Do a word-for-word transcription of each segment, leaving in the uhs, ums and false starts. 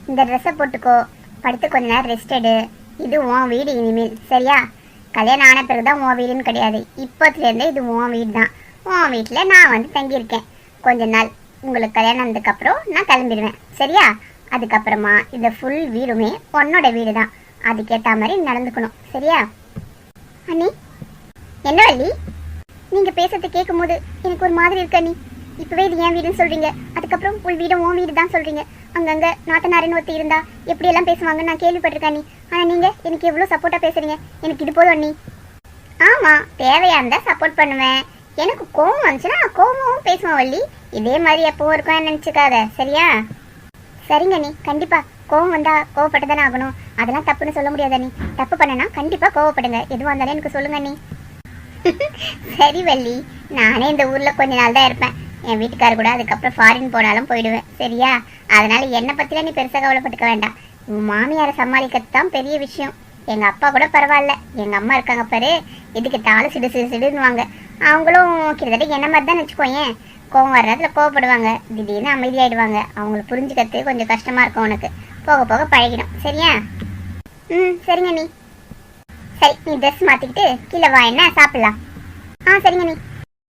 இந்த ட்ரெஸ்ஸை போட்டுக்கோ, படுத்து கொஞ்ச நேரம் ரெஸ்ட் எடு. இது உன் வீடு இனிமேல், சரியா? கல்யாணம் ஆன பிறகுதான் உன் வீடுன்னு கிடையாது, இப்போத்துலேருந்தே இது உன் வீடு தான். உன் வீட்டில் நான் வந்து தங்கியிருக்கேன் கொஞ்ச நாள். உங்களுக்கு கல்யாணம் ஆனதுக்கப்புறம் நான் கிளம்பிடுவேன், சரியா? அதுக்கப்புறமா இந்த ஃபுல் வீடுமே உன்னோட வீடு தான். அதுக்கேற்ற மாதிரி நடந்துக்கணும், சரியா? அண்ணி, என்ன வள்ளி நீங்கள் பேசுறது கேட்கும் போது எனக்கு ஒரு மாதிரி இருக்கு அண்ணி. இப்போவே இது என் வீடுன்னு சொல்கிறீங்க, அதுக்கப்புறம் உள் வீடு உன் வீடு தான் சொல்கிறீங்க. அங்கங்கே நாத்தனாரின்னு ஒருத்தி இருந்தா எப்படியெல்லாம் பேசுவாங்க நான் கேள்விப்பட்டிருக்கேன் அண்ணி. ஆனால் நீங்கள் எனக்கு எவ்வளோ சப்போர்ட்டாக பேசுகிறீங்க. எனக்கு இது போதும் அண்ணி. ஆமாம், தேவையாக இருந்தால் சப்போர்ட் பண்ணுவேன். எனக்கு கோவம் வந்துச்சுன்னா கோவமும் பேசுவேன் வள்ளி. இதே மாதிரி எப்பவும் இருக்கும் நினச்சிக்காத, சரியா? சரிங்க அண்ணி, கண்டிப்பாக. கோவம் வந்தால் கோவப்பட்டு தானே ஆகணும், அதெல்லாம் தப்புன்னு சொல்ல முடியாது அண்ணி. தப்பு பண்ணனா கண்டிப்பாக கோவப்படுங்க, எதுவாக இருந்தாலும் எனக்கு சொல்லுங்க அண்ணி. சரி வள்ளி, நானே இந்த ஊரில் கொஞ்ச நாள் தான் இருப்பேன். என் வீட்டுக்காரர் கூட அதுக்கப்புறம் ஃபாரின் போனாலும் போயிடுவேன், சரியா? அதனால என்னை பற்றிலாம் நீ பெருசாக கவலைப்பட்டுக்க வேண்டாம். உன் மாமியாரை சமாளிக்கிறது தான் பெரிய விஷயம். எங்கள் அப்பா கூட பரவாயில்ல, எங்கள் அம்மா இருக்காங்க பாரு, எதுக்கு தாலும் சிடு சிடு சிடுன்னுவாங்க. அவங்களும் கிட்டத்தட்ட என்ன மாதிரி தான் வச்சுக்கோயேன். கோவம் வர்றதுல கோவப்படுவாங்க, திடீர்னு அமைதியாயிடுவாங்க. அவங்கள புரிஞ்சுக்கிறது கொஞ்சம் கஷ்டமாக இருக்கும் உனக்கு. போக போக பழகிடும், சரியா? ம், சரிங்க நீ. சரி, நீ ட்ரெஸ் மாற்றிக்கிட்டு கீழே வா, என்ன சாப்பிட்லாம். ஆ சரிங்க நீ.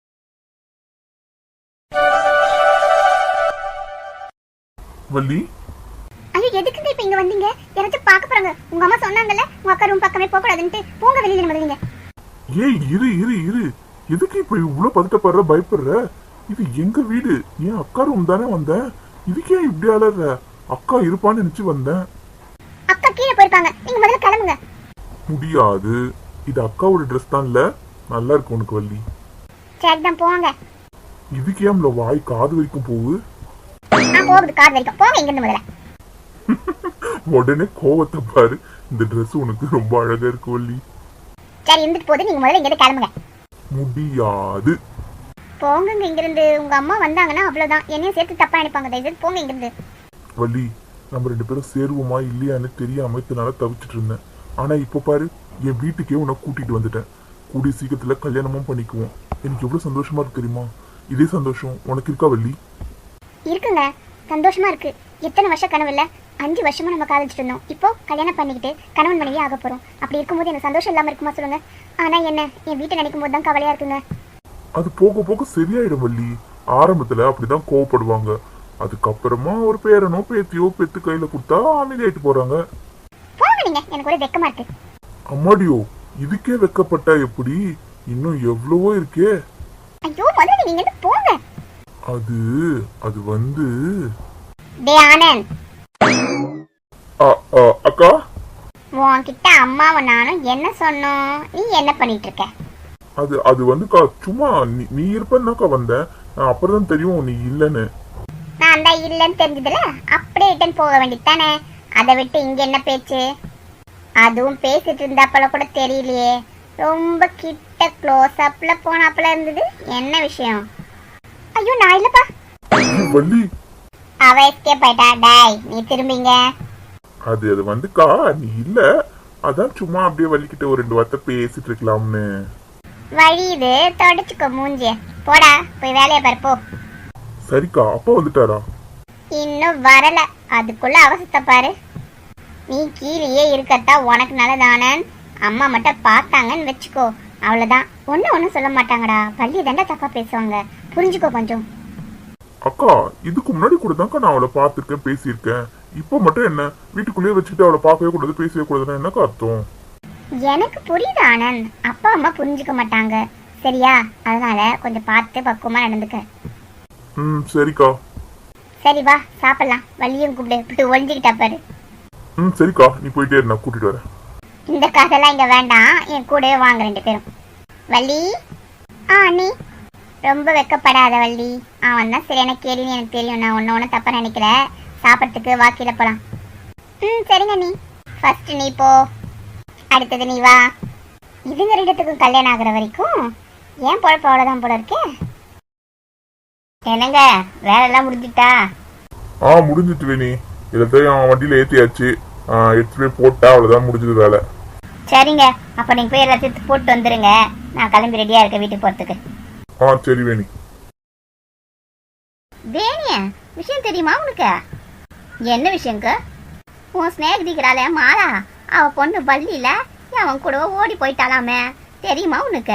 வள்ளி, ஐயோ எதுக்குங்க இப்போ இங்கே வந்தீங்க? யாராச்சும் பார்க்க போகிறாங்க. உங்கள் அம்மா சொன்னாங்கல்ல உங்கள் அக்கா ரூம் பக்கமே போகக்கூடாதுன்ட்டு. போங்க வெளியில் முதலீங்க. ஏய் இரு இரு இரு, எதுக்கு இப்போ இவ்வளோ பதட்டப்படுற, பயப்படுற? இது எங்க வீடு, என் அக்கா ரூம் தானே வந்தேன். இதுக்கே இப்படி அலற? அக்கா இருப்பான்னு நினைச்சு வந்தேன். அக்கா கீழே போயிருப்பாங்க, நீங்க முதல்ல கிளம்புங்க. முடியாது, இது அக்காவோட ட்ரெஸ் தான். இல்ல நல்லா இருக்கு உனக்கு வள்ளி. சரி தான் போங்க. இதுக்கே நம்மள வாய் காது வரைக்கும் போகுது. நான் போகுது காது வரைக்கும், போங்க இங்கிருந்து முதல்ல. உடனே கோவத்தை பாரு. இந்த ட்ரெஸ் உனக்கு ரொம்ப அழகா இருக்கு வள்ளி. சரி இருந்துட்டு போகுது, நீங்க முதல்ல இங்கிருந்து கிளம்புங்க. முடியாது. போங்க இங்கிருந்து. உங்க அம்மா வந்தாங்கன்னா அவ்வளவுதான், என்னையும் சேர்த்து தப்பா நினைப்பாங்க. தயவுசெய்து போங்க இங்கிருந்து. வள்ளி, நம்ம ரெண்டு பேரும் சேருவோமா இல்லையான்னு தெரியாம இதனால தவிச்சிட்டு இருந்தேன். ஆனா இப்ப பாரு, என் வீட்டுக்கே உன்னை கூட்டிட்டு வந்துட்டேன். கூடிய சீக்கிரத்துல கல்யாணமும் பண்ணிக்குவோம். எனக்கு எவ்வளவு சந்தோஷமா இருக்கு தெரியுமா? இதே சந்தோஷம் உனக்கு இருக்கா வள்ளி? இருக்குங்க, சந்தோஷமா இருக்கு. எத்தனை வருஷம் கனவு இல்ல, அஞ்சு வருஷமா நம்ம காதலிச்சுட்டு இருந்தோம். இப்போ கல்யாணம் பண்ணிக்கிட்டு கணவன் மனைவி ஆக போறோம். அப்படி இருக்கும்போது எனக்கு சந்தோஷம் இல்லாம இருக்குமா சொல்லுங்க? ஆனா என்ன, என் வீட்டை நினைக்கும் போது தான் கவலையா இருக்குங்க. அது போக போக சரியாயிடும் வள்ளி. ஆரம்பத்துல அப்படிதான் கோவப்படுவாங்க, அதுக்கப்புறமா ஒரு பேரனோ பேத்தியோ பெத்து கையில கொடுத்தா அமைதியாயிட்டு போறாங்க. போங்க நீங்க, எனக்கு ஒரு வெக்கமா இருக்கு. அம்மாடியோ, இதுக்கே வெக்கப்பட்டா எப்படி? இன்னும் எவ்வளவோ இருக்கே. ஐயோ முதல்ல நீங்க இங்க போங்க. அது அது வந்து டே ஆனந்த், அக்கா, உன்கிட்ட அம்மாவை நானும் என்ன சொன்னோம், நீ என்ன பண்ணிட்டு இருக்க? அது அது வந்துக்கா சும்மா நீ நீ இருப்பேன்னாக்கா வந்தேன். அப்புறம் தான் தெரியும் நீ இல்லைன்னு. நான் தான் இல்லைன்னு தெரிஞ்சதுல அப்படியே ரிட்டன் போக வேண்டியதானே. அதை விட்டு இங்க என்ன பேச்சு? அதுவும் பேசிட்டு இருந்தாப்பல கூட தெரியலையே, ரொம்ப கிட்ட க்ளோஸ் அப்ல போனாப்பல இருந்தது. என்ன விஷயம்? ஐயோ நான் இல்லப்பா. வள்ளி, அவ எஸ்கேப் ஆயிட்டா. டாய் நீ திரும்பிங்க. அது அது வந்துக்கா நீ இல்ல, அதான் சும்மா அப்படியே வள்ளிக்கிட்ட ஒரு ரெண்டு வார்த்தை பேசிட்டு இருக்கலாம்னு. வழி இது, தொடச்சுக்கோ மூஞ்சிய. போடா போய் வேலையை பாரு போ. சரிக்கா, அப்பா வந்துட்டாரா? இன்னும் வரல, அதுக்குள்ள அவசரத்தை பாரு. நீ கீழேயே இருக்கத்தா உனக்கு நல்லதானே. அம்மா மட்டும் பார்த்தாங்கன்னு வச்சுக்கோ, அவ்வளவுதான். ஒன்னும் ஒன்னும் சொல்ல மாட்டாங்கடா. வள்ளி தாண்டா தப்பா பேசுவாங்க, புரிஞ்சுக்கோ கொஞ்சம். அக்கா, இதுக்கு முன்னாடி கூட தான்க்கா நான் அவளை பார்த்துருக்கேன், பேசியிருக்கேன். இப்போ மட்டும் என்ன வீட்டுக்குள்ளேயே வச்சுக்கிட்டு அவளை பார்க்கவே கூடாது, பேசவே கூடாதுன்னா என்னக்கா அர்த்தம்? எனக்கு புரியுது ஆனந்த், அப்பா அம்மா புரிஞ்சுக்க மாட்டாங்க, சரியா? அதனால கொஞ்சம் பார்த்து பக்குவமா நடந்துக்க. ம் சரிக்கா. சரி வா சாப்பிடலாம். வள்ளியும் கூப்பிடு, இப்படி ஒழிஞ்சுக்கிட்டா பாரு. ம் சரிக்கா, நீ போயிட்டே இரு, நான் கூட்டிட்டு வரேன். இந்த காசெல்லாம் இங்க வேண்டாம், என் கூடவே வாங்க ரெண்டு பேரும். வள்ளி, ஆ அண்ணி. ரொம்ப வெக்கப்படாத வள்ளி, அவன் தான் சரியான கேள்வின்னு எனக்கு தெரியும். நான் ஒன்று ஒன்று தப்பா நினைக்கல. சாப்பிட்றதுக்கு வாக்கில போலாம். ம் சரிங்க நீ. ஃபர்ஸ்ட் நீ போ, அடுத்தது நீ வா. இதுங்க ரெண்டுத்துக்கும் கல்யாணம் ஆகுற வரைக்கும் ஏன் பொழப்பு அவ்வளோதான் போல இருக்கே. என்னங்க வேலையெல்லாம் முடிஞ்சிட்டா? ஆ முடிஞ்சிட்டு வேணி, எல்லாத்தையும் வண்டியில ஏற்றியாச்சு. எடுத்து போய் போட்டா அவ்வளோதான், முடிஞ்சது வேலை. சரிங்க, அப்போ நீங்கள் போய் எல்லாத்தையும் போட்டு வந்துடுங்க. நான் கிளம்பி ரெடியாக இருக்கேன் வீட்டுக்கு போகிறதுக்கு. ஆ சரி வேணி. வேணியா, விஷயம் தெரியுமா உனக்கு? என்ன விஷயங்க? உன் ஸ்நேகிதிக்கிறாளே மாலா, அவ பொண்ணு பள்ளியில அவன் கூட ஓடி போயிட்டாலாமே, தெரியுமா உனக்கு?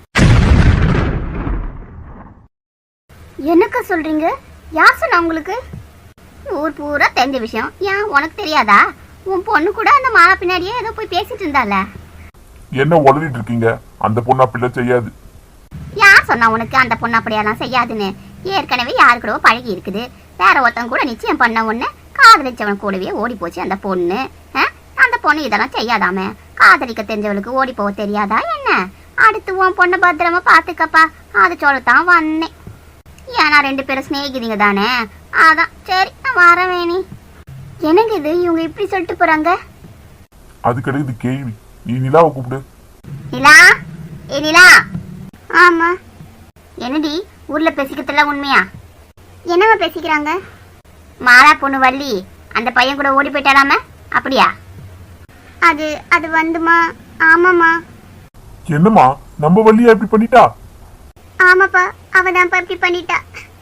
என்னக்கா சொல்றீங்க? யார் சொன்னா உங்களுக்கு? ஊர் பூரா தெரிஞ்ச விஷயம். ஏன் உனக்கு தெரியாதா? உன் பொண்ணு கூட அந்த மாலா பின்னாடியே ஏதோ போய் பேசிட்டு இருந்தால. என்ன உளறிட்டு இருக்கீங்க? அந்த பொண்ணு அப்படிலாம் செய்யாது. யார் சொன்னா உனக்கு அந்த பொண்ணு அப்படியெல்லாம் செய்யாதுன்னு? ஏற்கனவே யாரு கூடவோ பழகி இருக்குது. வேற ஒருத்தன் கூட நிச்சயம் பண்ண ஒண்ணு காதலிச்சவன் கூடவே ஓடி போச்சு அந்த பொண்ணு. அந்த பொண்ணு இதெல்லாம் செய்யாதாமே. காதலிக்க தெரிஞ்சவளுக்கு ஓடி போக தெரியாதா என்ன? அடுத்து உன் பொண்ணு பத்திரமா பாத்துக்கப்பா, அது சொல்லத்தான் வந்தேன். ஏன்னா ரெண்டு பேரும் சிநேகிதிங்க தானே, அதான் சரி நான் வரவேணி. எனக்கு இது இவங்க இப்படி சொல்லிட்டு போறாங்க. அது கிடையாது கேள்வி. நீ நிலாவை கூப்பிடு. நிலா, ஏ நிலா. ஆமா. என்னடி ஊர்ல பேசிக்கிறதுல உண்மையா? என்னவா பேசிக்கிறாங்க? மாலா பொண்ணு வள்ளி அந்த பையன் கூட ஓடி போயிட்டாலாம, அப்படியா? அது அது வந்துமா. ஆமாமா. என்னம்மா, நம்ம வள்ளியா இப்படி பண்ணிட்டா? ஆமாப்பா, அவதான்ப்பா இப்படி பண்ணிட்டா.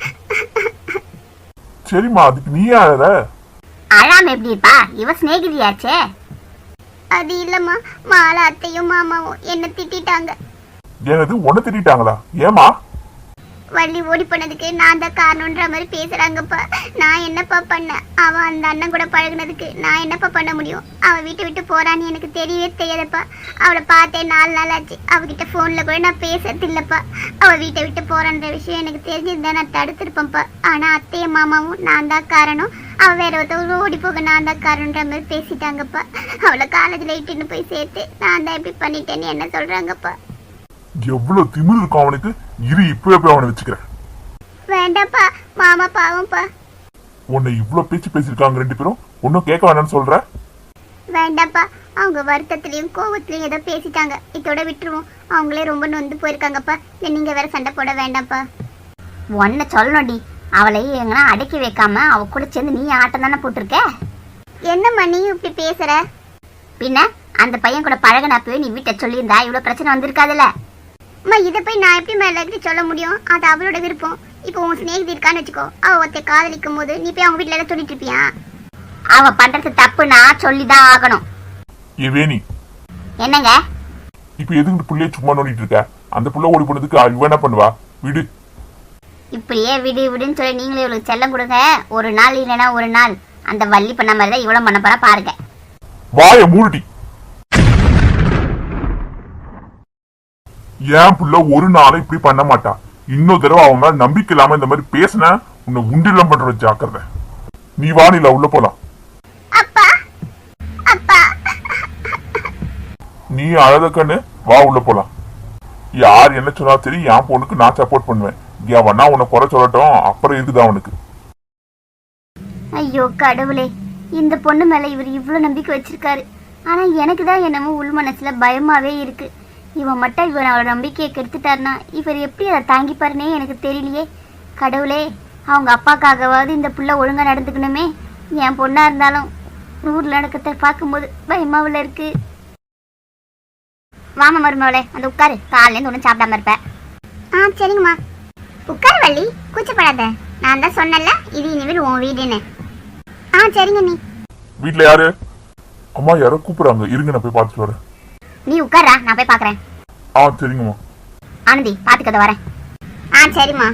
சரிம்மா, அதுக்கு நீ அழற? அழாம எப்படிப்பா, இவ சிநேகிதியாச்சே. அது இல்லம்மா, மாலா அத்தையும் மாமாவும் என்ன திட்டாங்க. எனது உன்னை திட்டாங்களா? ஏமா? வள்ளி ஓடி போனதுக்கு நான் தான் காரணம்ன்ற மாதிரி பேசுறாங்கப்பா. நான் என்னப்பா பண்ண? அவ அந்த அண்ணன் கூட பழகுனதுக்கு நான் என்னப்பா பண்ண முடியும்? அவ வீட்டை விட்டு போறான்னு எனக்கு தெரியவே தெரியாதப்பா. அவளை பார்த்தேன் நாலு நாள் ஆச்சு. அவகிட்ட போன்ல கூட நான் பேசுறது இல்லப்பா. அவ வீட்டை விட்டு போறான்ற விஷயம் எனக்கு தெரிஞ்சிருந்தா நான் தடுத்திருப்பேன்ப்பா. ஆனா அத்தையும் மாமாவும் நான் தான் காரணம், அவ வேற ஒருத்தவங்க ஓடி போக நான் தான் காரணம்ன்ற மாதிரி பேசிட்டாங்கப்பா. அவளை காலேஜ்ல இட்டுன்னு போய் சேர்த்து நான் தான் இப்படி பண்ணிட்டேன்னு என்ன சொல்றாங்கப்பா. எவ்வளவு திமிரு இருக்கும் அவனுக்கு. இரு, இப்பவே போய் அவனை வச்சுக்கிறேன். வேண்டாப்பா, மாமா பாவம்ப்பா. உன்னை இவ்வளவு பேச்சு பேசிருக்காங்க ரெண்டு பேரும், ஒன்னும் கேட்க வேணாம்னு சொல்ற? வேண்டாப்பா, அவங்க வருத்தத்திலயும் கோவத்திலயும் ஏதோ பேசிட்டாங்க, இதோட விட்டுருவோம். அவங்களே ரொம்ப நொந்து போயிருக்காங்கப்பா. இல்ல நீங்க வேற சண்டை போட வேண்டாம்ப்பா. ஒன்ன சொல்லணும்டி, அவளை எங்கன்னா அடக்கி வைக்காம அவ கூட சேர்ந்து நீ ஆட்டம் தானே போட்டிருக்க. என்னம்மா நீ இப்படி பேசுற? பின்ன அந்த பையன் கூட பழகினப்பவே நீ வீட்டை சொல்லியிருந்தா இவ்வளவு பிரச்சனை வந்திருக்காதுல்ல. அம்மா இதை போய் நான் எப்படி மேல சொல்ல முடியும்? அது அவளோட விருப்பம். இப்போ உன் சிநேகிதி இருக்கான்னு வச்சுக்கோ, அவ ஒருத்த காதலிக்கும் போது நீ போய் அவங்க வீட்டுல எல்லாம் சொல்லிட்டு இருப்பியா? அவ பண்றது தப்புனா சொல்லிதான் ஆகணும். ஏவேனி, என்னங்க இப்ப எதுக்கு புள்ளைய சும்மா நோண்டிட்டு இருக்க? அந்த புள்ள ஓடி போனதுக்கு இவ என்ன பண்ணுவா? விடு. இப்படியே விடு விடுன்னு சொல்லி நீங்களே இவளுக்கு செல்லம் கொடுங்க. ஒரு நாள் இல்லைன்னா ஒரு நாள் அந்த வள்ளி பண்ண மாதிரி தான் இவ்வளவு பண்ண போறா பாருங்க. வாய மூடி. ஏன் புள்ள ஒரு நாளும் இப்படி பண்ண மாட்டா. இன்னொரு தடவை அவங்க நம்பிக்கை இல்லாம இந்த மாதிரி பேசின உன்னை உண்டிலாம் பண்ற ஜாக்கிரதை. நீ வானில உள்ள போலாம். நீ அழகன்னு வா, உள்ள போலாம். யார் என்ன சொன்னா சரி, என் பொண்ணுக்கு நான் சப்போர்ட் பண்ணுவேன். எவனா உன்னை குறை சொல்லட்டும், அப்புறம் இருக்குதான் அவனுக்கு. ஐயோ கடவுளே, இந்த பொண்ணு மேல இவர் இவ்வளவு நம்பிக்கை வச்சிருக்காரு. ஆனா எனக்கு தான் என்னமோ உள் மனசுல பயமாவே இருக்கு. இவன் மட்டும் இவர் அவரோட நம்பிக்கையை கெடுத்துட்டாருனா இவர் எப்படி அதை தாங்கிப்பாருன்னே எனக்கு தெரியலையே. கடவுளே, அவங்க அப்பாக்காகவாவது இந்த புள்ள ஒழுங்கா நடந்துக்கணுமே. என் பொண்ணா இருந்தாலும் ஊர்ல நடக்கத்தை பார்க்கும்போது பயமாவில் இருக்கு. வாமா மருமவளே, அந்த உட்காரு. காலையிலேருந்து ஒன்றும் சாப்பிடாம இருப்ப. ஆ சரிங்கம்மா. உட்காரு வள்ளி, கூச்சப்படாத. நான் தான் சொன்னல இது இனிமேல் உன் வீடுன்னு. ஆ சரிங்க. நீ வீட்டுல யாரு? அம்மா யாரோ கூப்பிடுறாங்க, இருங்க நான் போய் பார்த்துட்டு வரேன். நீ உட்காரா, நான் போய் பாக்குறேன். ஆ சரிங்கம்மா. ஆனந்தி பாத்துக்கத வரேன். ஆ சரிம்மா.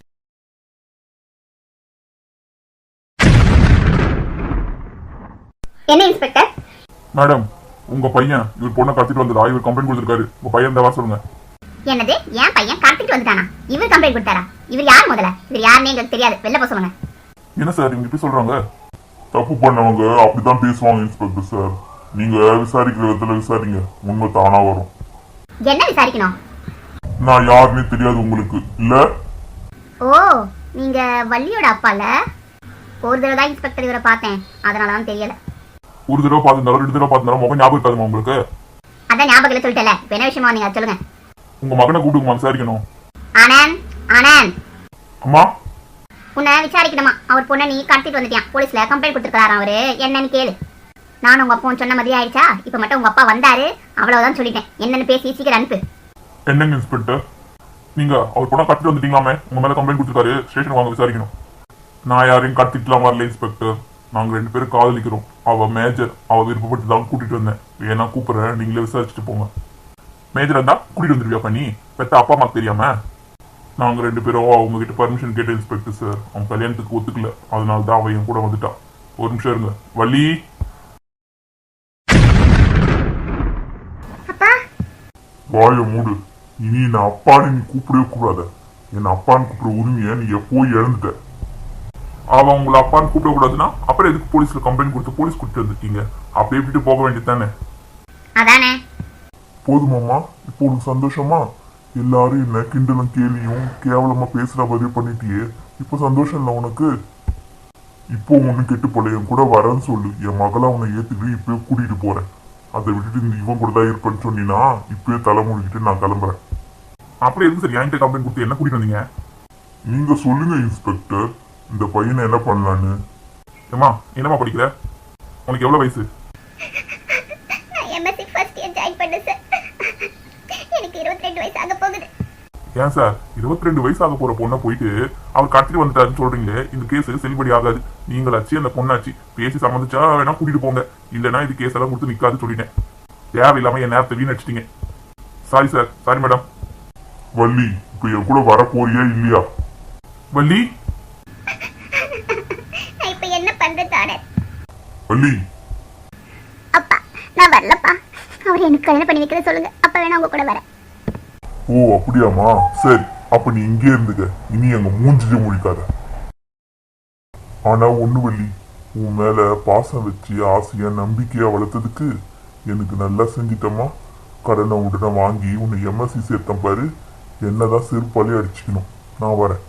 என்ன இன்ஸ்பெக்டர்? மேடம், உங்க பையன் இவர் பொண்ணை கடத்திட்டு வந்ததா இவர் கம்ப்ளைண்ட் கொடுத்திருக்காரு. உங்க பையன் தான் சொல்லுங்க. என்னது? என் பையன் கடத்திட்டு வந்துட்டானா? இவர் கம்ப்ளைண்ட் கொடுத்தாரா? இவர் யார் முதல்ல? இவர் யாருன்னு எங்களுக்கு தெரியாது, வெளில போக சொல்லுங்க. என்ன சார் இங்க இப்படி சொல்றாங்க? தப்பு பண்ணவங்க அப்படிதான் பேசுவாங்க இன்ஸ்பெக்டர் சார். நீங்க விசாரிக்கிற விதத்துல விசாரிங்க, உண்மை தானா வரும். என்ன விசாரிக்கணும்? நான் யாருன்னே தெரியாது உங்களுக்கு இல்ல? ஓ, நீங்க வள்ளியோட அப்பால? ஒரு தடவை தான் இன்ஸ்பெக்டர் இவரை பார்த்தேன், அதனாலதான் தெரியல. ஒரு தடவை பார்த்திருந்தாலும் ரெண்டு தடவை பார்த்திருந்தாலும் முகம் ஞாபகம் இருக்காதுமா உங்களுக்கு? அதான் ஞாபகம் இல்ல சொல்லிட்டல. இப்ப என்ன விஷயமா நீங்க சொல்லுங்க. உங்க மகனை கூப்பிடுமா விசாரிக்கணும். ஆனந்த், ஆனந்த். அம்மா, உன்னை விசாரிக்கணுமா? அவர் பொண்ணை நீ கடத்திட்டு வந்துட்டியான், போலீஸ்ல கம்ப்ளைண்ட் கொடுத்துருக்காரு அவரு. என்னன்னு கேளு. நானும் உங்க அப்பா சொன்ன மாதிரி ஆயிடுச்சா? இப்ப மட்டும் உங்க அப்பா வந்தாரு, அவ்வளவுதான் சொல்லிட்டேன். என்னன்னு பேசி சீக்கிரம் அனுப்பு. என்னங்க இன்ஸ்பெக்டர், நீங்க அவர் பொண்ணை கடத்திட்டு வந்துட்டீங்களாமே, உங்க மேல கம்ப்ளைண்ட் கொடுத்துருக்காரு, ஸ்டேஷன் வாங்க விசாரிக்கணும். நான் யாரையும் கடத்திட்டுலாம் வரல இன்ஸ்பெக்டர். நாங்க ரெண்டு பேரும் காதலிக்கிறோம். அவ மேஜர், அவ விருப்பப்பட்டு தான் கூட்டிட்டு வந்தேன். வேணா கூப்பிடுறேன், நீங்களே விசாரிச்சுட்டு போங்க. மேஜர் இருந்தா கூட்டிட்டு வந்துருவியா பண்ணி பெத்த அப்பா அம்மாக்கு தெரியாம? நாங்க ரெண்டு பேரும் அவங்க கிட்ட பர்மிஷன் கேட்ட இன்ஸ்பெக்டர் சார். அவன் கல்யாணத்துக்கு ஒத்துக்கல, அதனால தான் அவன் என் கூட வந்துட்டான். ஒரு நிமிஷம் இருங்க. வள்ளி, அப்பா வாய மூடு. இனி நான் அப்பான்னு நீ கூப்பிடவே கூடாத. என்ன அப்பான்னு கூப்பிட உரிமைய நீ எப்போ இழந்துட்ட. அவன் உங்களை அப்பான்னு கூப்பிட கூடாதுன்னா அப்புறம் எதுக்கு போலீஸ்ல கம்ப்ளைண்ட் கொடுத்து போலீஸ் கூட்டிட்டு வந்துருக்கீங்க? அப்படியே விட்டு போக வேண்டியது தானே? அதானே. போதுமாம்மா, இப்போ உனக்கு சந்தோஷமா? எல்லாரும் என்ன கிண்டலும் கேலியும் கேவலமா பேசுற பதிவு பண்ணிட்டியே, இப்போ சந்தோஷம் இல்லை உனக்கு? இப்போ ஒண்ணு கெட்டு போல, என் கூட வரேன்னு சொல்லு. என் மகளை உன்னை ஏத்துக்கிட்டு இப்பயே கூட்டிட்டு போறேன். அதை விட்டுட்டு இந்த இவன் கூட தான் இருப்பேன்னு சொன்னீங்கன்னா இப்பயே தலை மூடிக்கிட்டு நான் கிளம்புறேன். அப்படி எதுக்கு சார் என்கிட்ட கம்ப்ளைண்ட் கொடுத்து என்ன கூட்டிட்டு வந்தீங்க? நீங்க சொல்லுங்க இன்ஸ்பெக்டர், இந்த பையனை என்ன பண்ணலான்னு. ஏமா என்னமா படிக்கிற? உனக்கு எவ்வளவு வயசு? நான் எம்எஸ்சி ஃபர்ஸ்ட் இயர் ஜாயின் பண்ணேன் சார். எனக்கு இருபத்தி ரெண்டு வயசு ஆக போகுது. ஏன் சார் இருபத்தி ரெண்டு வயசு ஆக போற பொண்ணை போயிட்டு அவர் கடத்திட்டு வந்துட்டாருன்னு சொல்றீங்களே, இந்த கேஸ் செல்லுபடி ஆகாது. நீங்களாச்சு அந்த பொண்ணாச்சு பேசி சம்மந்திச்சா வேணா கூட்டிட்டு போங்க, இல்லைன்னா இது கேஸ் எல்லாம் கொடுத்து நிக்காது சொல்லிட்டேன். தேவையில்லாம என் நேரத்தை வீணடிச்சிட்டீங்க. Sorry sir, sorry madam. Valli, இப்ப என் கூட வர போறியா இல்லையா? வள்ளி, நான் இப்ப என்ன பண்றது ஆனர்? வள்ளி, அப்பா நான் வரலப்பா. அவர் எனக்கு கல்யாணம் பண்ணி வைக்கிறத சொல்லுங்க, அப்ப வேணா உங்க கூட வரேன். ஓ அப்படியாமா, சரி. அப்ப நீ இங்கே இருந்துக்க, இனி எங்க மூஞ்சிஜ முடிக்காத. ஆனா ஒண்ணு வள்ளி, உன் மேல பாசம் வச்சு ஆசையா நம்பிக்கையா வளர்த்ததுக்கு எனக்கு நல்லா செஞ்சிட்டமா. கடனை உடனே வாங்கி உன்னை எம்எஸ்சி சேர்த்தம் பாரு, என்னதான் செருப்பாலே அடிச்சுக்கணும். நான் வரேன்.